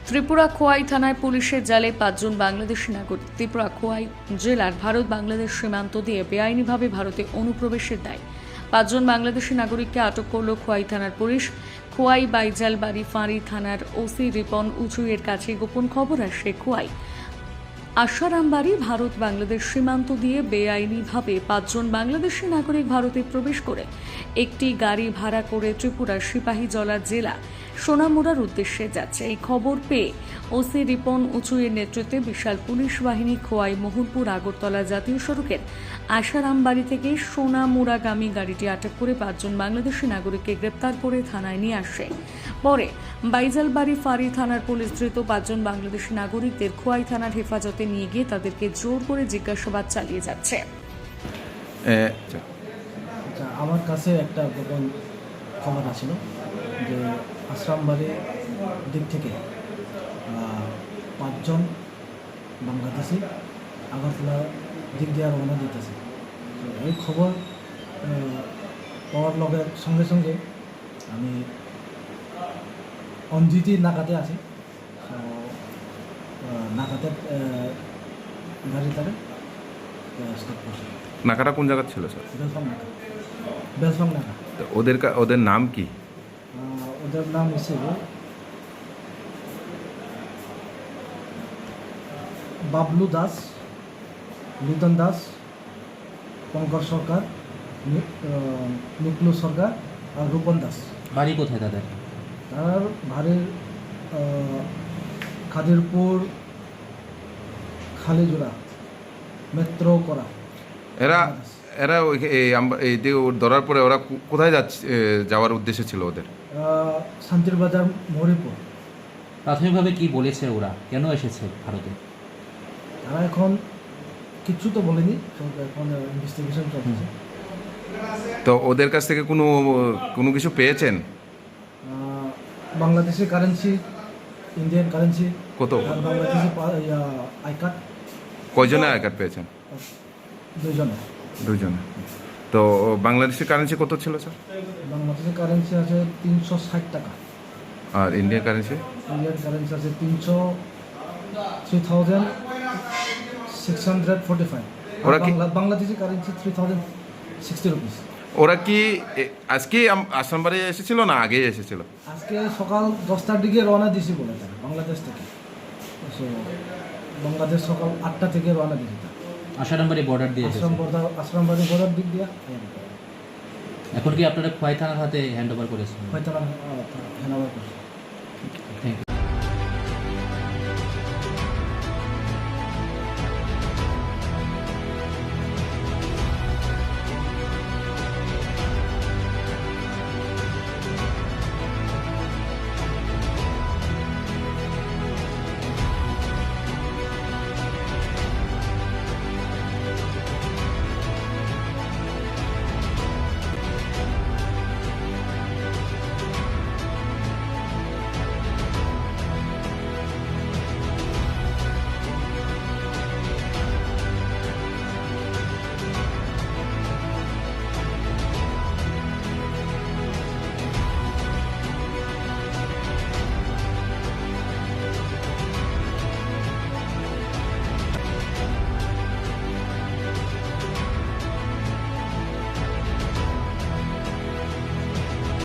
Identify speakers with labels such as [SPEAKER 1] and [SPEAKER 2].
[SPEAKER 1] ত্রিপুরা খোয়াই থানায় পুলিশের জালে 5 জন বাংলাদেশি নাগরিক। ত্রিপুরা খোয়াই জেলার ভারত বাংলাদেশ সীমান্ত দিয়ে বেআইনিভাবে ভারতে অনুপ্রবেশের দায় 5 জন বাংলাদেশি নাগরিককে আটক করল খোয়াই থানার পুলিশ। খোয়াই বাইজালবাড়ি ফাঁড়ি থানার ওসি রিপন উঁচুয়ের কাছে গোপন খবর আসে খোয়াই আশারামবাড়ি ভারত বাংলাদেশ সীমান্ত দিয়ে বেআইনিভাবে 5 জন বাংলাদেশি নাগরিক ভারতে প্রবেশ করে একটি গাড়ি ভাড়া করে ত্রিপুরার সিপাহীজলা জেলা সোনামুড়ার উদ্দেশ্যে যাচ্ছে। এই খবর পেয়ে ওসি রিপন উঁচুয়ের নেতৃত্বে বিশাল পুলিশ বাহিনী খোয়াই মোহনপুর আগরতলা জাতীয় সড়কের আশারামবাড়ি থেকে সোনামুড়াগামী গাড়িটি আটক করে 5 জন বাংলাদেশি নাগরিককে গ্রেপ্তার করে থানায় নিয়ে আসে। পরে বাইজালবাড়ি ফাঁড়ি থানার পুলিশ ধৃত 5 জন বাংলাদেশি নাগরিকদের খোয়াই থানার হেফাজতে নিয়ে গিয়ে তাদেরকে জোর করে জিজ্ঞাসাবাদ চালিয়ে যাচ্ছে।
[SPEAKER 2] আমার কাছে একটা গোপন খবর আসছিল যে আশ্রামবাড়ির দিক থেকে 5 জন বাংলাদেশি আগরতলা দিক দিয়ে রওনা দিতেছে। তো এই খবর পাওয়ার লগের সঙ্গে সঙ্গে আমি অঞ্জিতি নাকাতে আছি। নাকাতে গাড়িটারে স্টপ করছে।
[SPEAKER 3] নাকাটা কোন জায়গা ছিল স্যার?
[SPEAKER 2] বেলফাং নাকা।
[SPEAKER 3] ওদের নাম কি?
[SPEAKER 2] ওদের নাম হিসেবে বাবলু দাস, লিটন দাস, পঙ্কজ সরকার, নিকলু সরকার আর রূপন দাস।
[SPEAKER 4] বাড়ি কোথায় তাদের?
[SPEAKER 2] তার বাড়ির খাদিরপুর, খালিজোড়া, মেট্রো করা।
[SPEAKER 3] এরা এই যে ধরার পরে ওরা কোথায় যাওয়ার উদ্দেশ্য ছিল ওদের?
[SPEAKER 2] শান্তির বাজার, মরিপুর।
[SPEAKER 4] প্রাথমিকভাবে কি বলেছে ওরা, কেন এসেছে ভারতে?
[SPEAKER 2] তারা এখন কিছু তো বলেনি, এখন ইনভেস্টিগেশন চলছে।
[SPEAKER 3] তো ওদের কাছ থেকে কোনো কিছু পেয়েছেন?
[SPEAKER 2] বাংলাদেশি কারেন্সি, ইন্ডিয়ান কারেন্সি,
[SPEAKER 3] কত?
[SPEAKER 2] আর বাংলাদেশি আই কার্ড।
[SPEAKER 3] কয়জনের আই কার্ড পেয়েছেন?
[SPEAKER 2] 2 জনে।
[SPEAKER 3] তো বাংলাদেশি কারেন্সি কত ছিল স্যার?
[SPEAKER 2] বাংলাদেশি কারেন্সি আছে 360 টাকা।
[SPEAKER 3] আর ইন্ডিয়ান কারেন্সি?
[SPEAKER 2] ইন্ডিয়ান কারেন্সি আছে 3645।
[SPEAKER 3] ওরা কি
[SPEAKER 2] বাংলাদেশি কারেন্সি 3060 রুপিস।
[SPEAKER 3] ওরা কি আজকে আসামবাড়ি এসেছিল না আগেই এসেছিল?
[SPEAKER 2] আজকে সকাল 10টার দিকে রওনা দিয়েছি বলে তারা বাংলাদেশ থেকে। বাংলাদেশ সকাল 8টা থেকে রওনা দিয়েছি।
[SPEAKER 4] আশারামবাড়ি বর্ডার দিয়ে এসেছে।
[SPEAKER 2] আশ্রামবাড়ি বর্ডার দিক দিয়ে।
[SPEAKER 4] এখন কি আপনারা খোয়াই থানার হাতে হ্যান্ড ওভার করেছেন?
[SPEAKER 2] হয়তো হ্যান্ড ওভার করছে।